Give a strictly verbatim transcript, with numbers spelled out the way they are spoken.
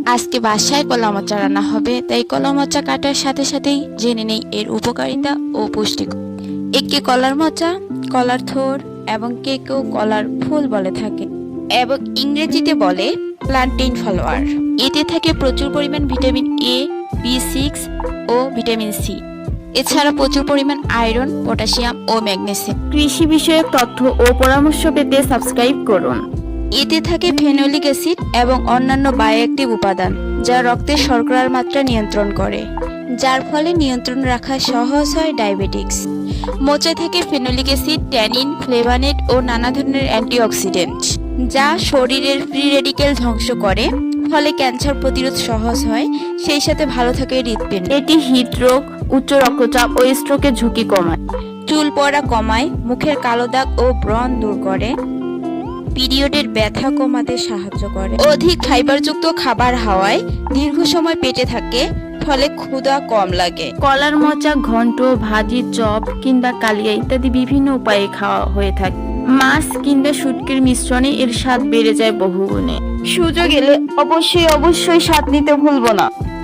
আজকে বাসায় কলা মোচা রান্না হবে, তাই কলা মোচা কাটার সাথে সাথেই জেনে নেই এর উপকারিতা ও পুষ্টিগুণ। একে কলার মোচা, কলার থোর এবং কে কেউ কলার ফুল বলে থাকে এবং ইংরেজিতে বলে প্লান্টেন ফ্লাওয়ার। এতে থাকে প্রচুর পরিমাণ ভিটামিন এ, বি সিক্স ও ভিটামিন সি। এছাড়া প্রচুর পরিমাণ আয়রন, পটাশিয়াম ও ম্যাগনেসিয়াম। কৃষি বিষয়ক তথ্য ও পরামর্শ পেতে সাবস্ক্রাইব করুন। এতে থাকে ফেনোলিক অ্যাসিড এবং অন্যান্য বায়োঅ্যাক্টিভ উপাদান, যা রক্তে শর্করার মাত্রা নিয়ন্ত্রণ করে, যার ফলে নিয়ন্ত্রণ রাখা সহজ হয় ডায়াবেটিক্স। মোচা থেকে ফেনোলিক অ্যাসিড, ট্যানিন, ফ্লেভানেট ও নানা ধরনের অ্যান্টিঅক্সিডেন্ট, যা শরীরের ফ্রি রেডিকেল ধ্বংস করে, ফলে ক্যান্সার প্রতিরোধ সহজ হয়, সেই সাথে ভালো থাকে হৃদপিণ্ড। এটি হৃদরোগ, উচ্চ রক্তচাপ ও স্ট্রোকের ঝুঁকি কমায়। চুল পড়া কমায়, মুখের কালো দাগ ও ব্রণ দূর করে, পিরিয়ডের ব্যথা কমাতে সাহায্য করে। অধিক ফাইবারযুক্ত খাবার হওয়ায় দীর্ঘ সময় পেটে থাকে, ফলে ক্ষুধা কম লাগে। কলার মোচা ঘন্ট, ভাজি, চপ কিংবা কালিয়া ইত্যাদি বিভিন্ন উপায়ে খাওয়া হয়ে থাকে। মাছ কিংবা শুটকির মিশ্রণে এর স্বাদ বেড়ে যায় বহুগুণে। সুযোগ এলে অবশ্যই অবশ্যই স্বাদ নিতে ভুলবো না।